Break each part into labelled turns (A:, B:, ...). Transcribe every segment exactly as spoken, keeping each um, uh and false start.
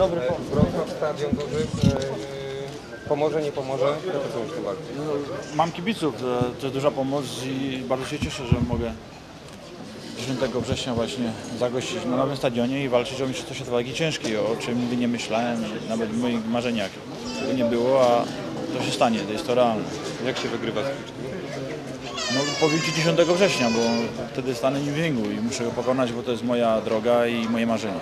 A: Dobry pomysł.
B: Wrocław, stadion duży. e, Pomoże, nie pomoże? Jak ocenisz tę walkę?
A: Mam kibiców, to to jest duża pomoc i bardzo się cieszę, że mogę dziesiątego września właśnie zagościć na nowym stadionie i walczyć o mistrzostwo świata wagi ciężkiej, o czym nigdy nie myślałem, nawet w moich marzeniach tego nie było, a to się stanie, to jest to realne.
B: Jak się wygrywa z Kliczkiem?
A: No powiem Ci dziesiątego września, bo wtedy stanę nim w ringu i muszę go pokonać, bo to jest moja droga i moje marzenie.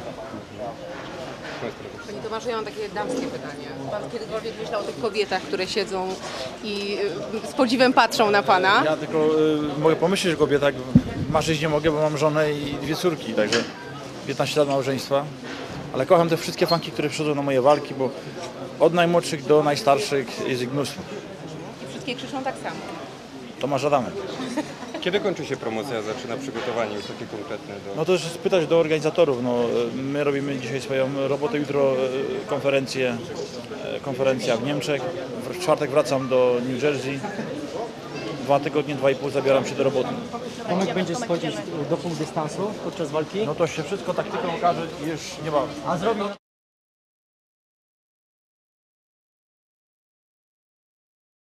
C: Panie Tomaszu, ja mam takie damskie pytanie. Pan kiedykolwiek myślał o tych kobietach, które siedzą i y, z podziwem patrzą na Pana?
A: Ja tylko y, mogę pomyśleć o kobietach, marzyć nie mogę, bo mam żonę i dwie córki, także piętnaście lat małżeństwa. Ale kocham te wszystkie fanki, które przychodzą na moje walki, bo od najmłodszych do najstarszych jest ich mnóstwo.
C: I wszystkie krzyczą tak samo.
A: Tomasz Adamek.
B: Kiedy kończy się promocja, zaczyna przygotowanie już takie konkretne do...
A: No to już spytać do organizatorów. No, my robimy dzisiaj swoją robotę, jutro e, konferencję, e, konferencja w Niemczech. W czwartek wracam do New Jersey. Dwa tygodnie, dwa i pół zabieram się do roboty.
D: Tomek będzie schodzić do pół dystansu podczas walki,
A: No to się wszystko taktyką okaże i już nie ma.
D: a zrobił